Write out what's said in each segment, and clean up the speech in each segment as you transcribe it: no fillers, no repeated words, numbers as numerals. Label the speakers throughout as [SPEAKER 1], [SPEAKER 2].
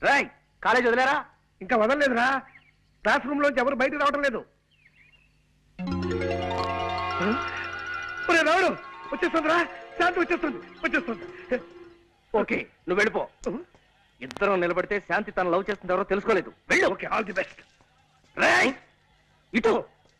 [SPEAKER 1] Roy college వదిలేరా?
[SPEAKER 2] ఇంకా వదలలేదురా. Class room లోంచి ఎవరు బయటకు రావడం లేదు. రావడు వచ్చేస్తుందిరా. శాంతి వచ్చేస్తుంది.
[SPEAKER 1] ఓకే నువ్వు వెళ్ళిపో. ఇద్దరం నిలబడితే శాంతి తను లవ్ చేస్తుంది ఎవరో తెలుసుకోలేదు. వెళ్ళు.
[SPEAKER 2] Okay all the best.
[SPEAKER 1] Rai ఇటు.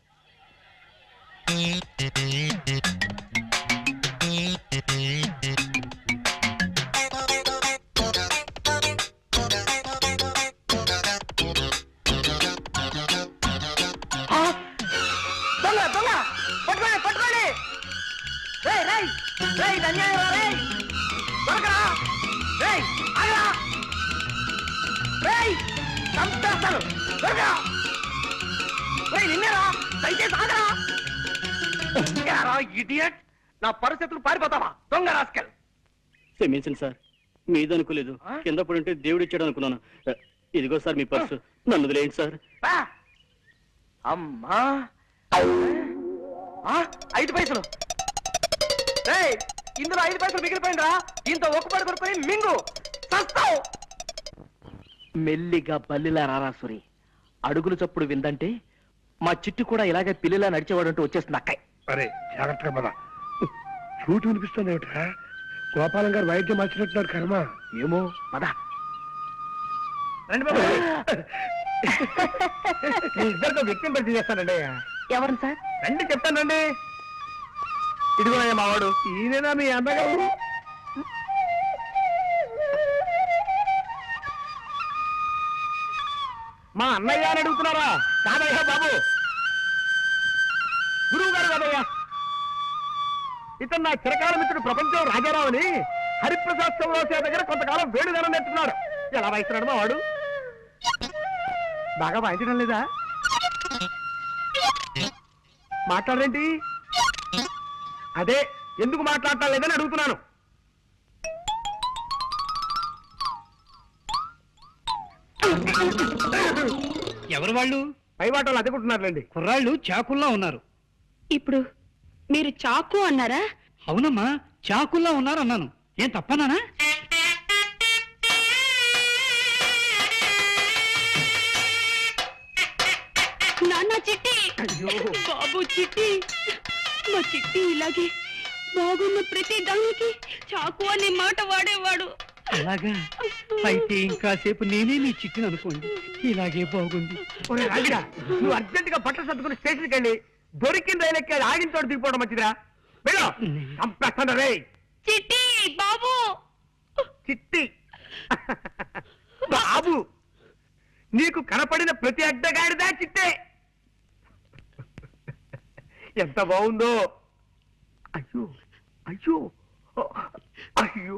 [SPEAKER 1] నా పరిస్థితులు పారిపోతావా దొంగ రాస్కెల్?
[SPEAKER 3] క్షమించండి సార్, మీదనుకోలేదు. కింద పడుంటే దేవుడు ఇచ్చాడు అనుకున్నాను. ఇదిగో సార్ మీ పర్సు, నన్ను వదిలేయండి సార్.
[SPEAKER 1] అమ్మా 5 పైసలు. ఇందులో 5 పైసలు మిగిలిపోయిందా? దీంతో ఒక్కపడి కొనుక్కొని మింగు చస్తావు. మెల్లిగా బల్లిలా రారాసురి. అడుగులు చప్పుడు విందంటే మా చిట్టు కూడా ఇలాగే పిల్లిలా నడిచేవాడంటూ వచ్చేస్తుంది అక్కయ్.
[SPEAKER 2] అరే జాగ్రత్తగా పద. చూటు వినిపిస్తుంది ఏమిట్రా? గోపాలం గారు వైద్యం మార్చినట్టున్నారు. కర్మ
[SPEAKER 1] ఏమో పద.
[SPEAKER 2] రండి బాబు. ఇద్దరితో వ్యక్తిని పరిచయం చేస్తానండి.
[SPEAKER 1] ఎవరు సార్?
[SPEAKER 2] రండి చెప్తానండి.
[SPEAKER 1] ఇదిగో మావాడు.
[SPEAKER 2] ఈయనేనా మీ అన్నగారు? మా అన్నయ్య అని అడుగుతున్నారా? కాదయ్యా బాబు, గురువు గారు కాదయ్యా. ఇతను నా చిరకాల మిత్రుడు ప్రపంచం రాజారావు అని హరిప్రసాద్ చౌరాసే దగ్గర కొంతకాలం వేడుదనం నేర్చుకున్నాడు. ఎలా వాయిస్తున్నాడు మా వాడు? బాగా వాయించడం లేదా? మాట్లాడరేంటి? అదే ఎందుకు మాట్లాడటం లేదని అడుగుతున్నాను.
[SPEAKER 4] ఎవరు వాళ్ళు?
[SPEAKER 2] పై వాటలు అదుకుంటున్నారులేండి.
[SPEAKER 4] కుర్రాళ్ళు చాకుల్లా ఉన్నారు.
[SPEAKER 5] ఇప్పుడు మీరు చాకు అన్నారా?
[SPEAKER 4] అవునమ్మా, చాకుల్లా ఉన్నారు అన్నాను. ఏం తప్పనానా?
[SPEAKER 5] నాన్న చిట్టి, బాబు చిట్టి, మా చిట్టి ఇలాగే బాగున్న ప్రతి దానికి చాకు అనే మాట వాడేవాడు.
[SPEAKER 4] అలాగా? అయితే ఇంకాసేపు నేనే నీ చిట్టిని అనుకోండి. ఇలాగే బాగుంది.
[SPEAKER 2] నువ్వు అర్జెంట్ గా బట్టలు సర్దుకుని స్టేషన్కి వెళ్ళి దొరికిన రైలు ఎక్కి ఆగిన తోడు దిగిపోవడం మంచిదిరా. వెళ్ళు. చంపేస్తాను రే.
[SPEAKER 5] చిట్టి బాబు.
[SPEAKER 2] చిట్టి బాబు, నీకు కనపడిన ప్రతి అడ్డగాడిదా చిట్టే. ఎంత బాగుందో. అయ్యో అయ్యో అయ్యో.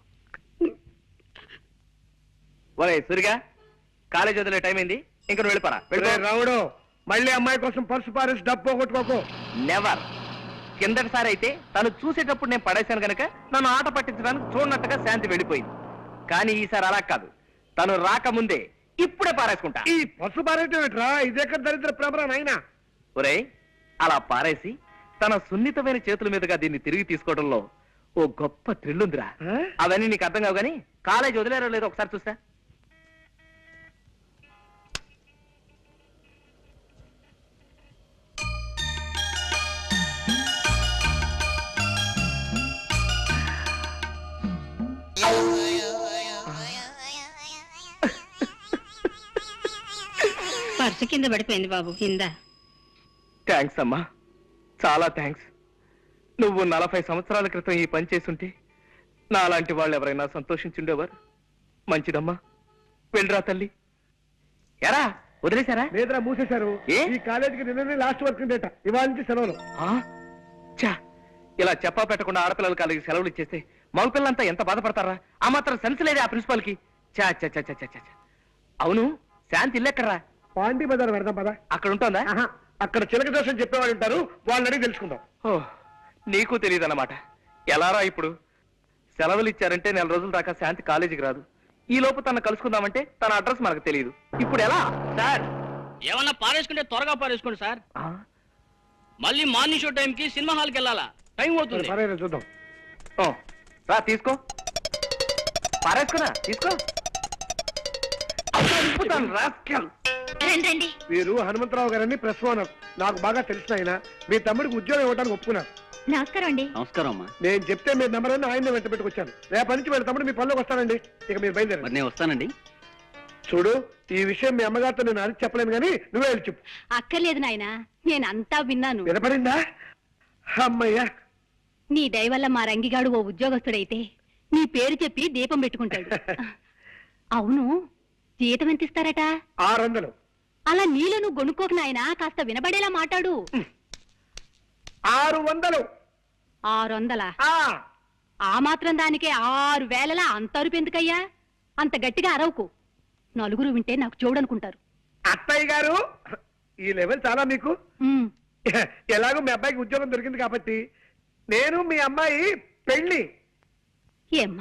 [SPEAKER 1] ఒరే సూరిగా, కాలేజ్ వదిలే టైం అయింది. ఇంక నువ్వు వెళ్ళిపోరా.
[SPEAKER 2] రావుడు, మళ్ళీ అమ్మాయి కోసం పర్సు పారేసి డబ్బు పోగొట్టుకోకు.
[SPEAKER 1] నెవర్. కిందటిసారి అయితే తను చూసేటప్పుడు నేను పడేశాను కనుక నన్ను ఆట పట్టించడానికి చూడనట్టుగా శాంతి వెళ్ళిపోయింది. కానీ ఈసారి అలా కాదు, తను రాకముందే ఇప్పుడే పారేసుకుంటా.
[SPEAKER 2] ఈ పర్సు పారేయటం ఏంట్రా? ఇదేక దరిద్ర ప్రభరా నాయనా.
[SPEAKER 1] ఒరే అలా పారేసి తన సున్నితమైన చేతుల మీదుగా దీన్ని తిరిగి తీసుకోవడంలో ఓ గొప్ప థ్రిల్ ఉందిరా. అవన్నీ నీకు అర్థం కావు గానీ కాలేజ్ వదిలేరో లేదో ఒకసారి చూస్తా.
[SPEAKER 5] పర్సు కింద పడిపోయింది బాబు. కింద.
[SPEAKER 1] థ్యాంక్స్ అమ్మా, చాలా థ్యాంక్స్. నువ్వు 40 సంవత్సరాల క్రితం ఈ పని చేసుంటే నాలాంటి వాళ్ళు ఎవరైనా సంతోషించుండేవారు. మంచిదమ్మా, వెళ్ళరా తల్లి. ఎరా వదిలేశారా?
[SPEAKER 2] లేదురా, మూసేశారు. ఈ కాలేజీకి నిన్ననే లాస్ట్ వర్క్ డేట. ఇవాళ నుంచి సెలవులు.
[SPEAKER 1] చా, ఇలా చెప్పా పెట్టకుండా ఆడపిల్లల కాలేజీకి సెలవులు ఇచ్చేస్తే మగపిల్లలంతా ఎంత బాధపడతారా? ఆ మాత్రం సెన్స్ లేదే ఆ ప్రిన్సిపాల్ కి. చా చా చా చా చా. అవును, శాంతి ఇల్లెక్కడరా?
[SPEAKER 2] పాండి బజార్ పెడదాం పదా.
[SPEAKER 1] అక్కడ ఉంటుందా?
[SPEAKER 2] అక్కడ చిలక దోషం చెప్పేవాళ్ళు ఉంటారు, వాళ్ళని అడిగి తెలుసుకుందాం.
[SPEAKER 1] నీకు తెలియదు అన్నమాట. ఎలారా ఇప్పుడు? సెలవులు ఇచ్చారంటే 4 రోజుల దాకా శాంతి కాలేజీకి రాదు. ఈ లోపు తన కలుసుకుందామంటే తన అడ్రస్ మనకు తెలియదు. ఇప్పుడు ఎలా సార్?
[SPEAKER 3] ఏమన్నా పారేసుకుంటే త్వరగా పారేసుకోండి సార్. మళ్ళీ మార్నింగ్ షో టైంకి సినిమా హాల్కి వెళ్ళాలా? టైం అవుతుంది.
[SPEAKER 2] చూద్దాం.
[SPEAKER 1] రా తీసుకో, పారేసుకున్నా తీసుకో. చంపుతాను రాస్కల్.
[SPEAKER 5] రండి రండి.
[SPEAKER 2] మీరు హనుమంతరావు గారని ప్రెస్ ఓనర్. నాకు బాగా తెలిసిన ఆయన. మీ తమ్ముడికి ఉద్యోగం ఇవ్వడానికి ఒప్పుకున్నారు.
[SPEAKER 5] నమస్కారం అండి.
[SPEAKER 3] నమస్కారం అమ్మా.
[SPEAKER 2] నేను చెప్తే మీ నెంబర్ అని ఆయన వెంట పెట్టుకొచ్చాను. రేపటి నుంచి వీళ్ళ తమ్ముడు మీ పనిలోకి వస్తానండి. ఇక మీరు బయలుదేరండి.
[SPEAKER 3] మరి నేను వస్తానండి.
[SPEAKER 2] చూడు, ఈ విషయం మీ అమ్మగారితో నేను అడిగి చెప్పలేను కానీ నువ్వే వెళ్ళి చెప్పు.
[SPEAKER 5] అక్కర్లేదు నాయనా, నేనంతా విన్నాను.
[SPEAKER 2] వినపడిందా? అమ్మయ్యా.
[SPEAKER 5] నీ దయ వల్ల మా రంగిగాడు ఓ ఉద్యోగస్తుడైతే నీ పేరు చెప్పి దీపం పెట్టుకుంటాడు. అవును, జీతం ఎంత ఇస్తారట?
[SPEAKER 2] 600.
[SPEAKER 5] అలా నీలో నువ్వు గొనుక్కోకు నాయనా, కాస్త వినబడేలా మాట్లాడు.
[SPEAKER 2] 600.
[SPEAKER 5] 600?
[SPEAKER 2] ఆ,
[SPEAKER 5] ఆ మాత్రం దానికే 6000 అంత అరుపు ఎందుకయ్యా? అంత గట్టిగా అరవకు, నలుగురు వింటే నాకు చూడనుకుంటారు.
[SPEAKER 2] అత్తయ్య గారు, ఈ లెవెల్ చాలా మీకు.
[SPEAKER 5] ఉమ్,
[SPEAKER 2] ఎలాగో మీ అబ్బాయికి ఉద్యోగం దొరికింది కాబట్టి నేను మీ అమ్మాయి పెళ్లి
[SPEAKER 5] ఏమ్మా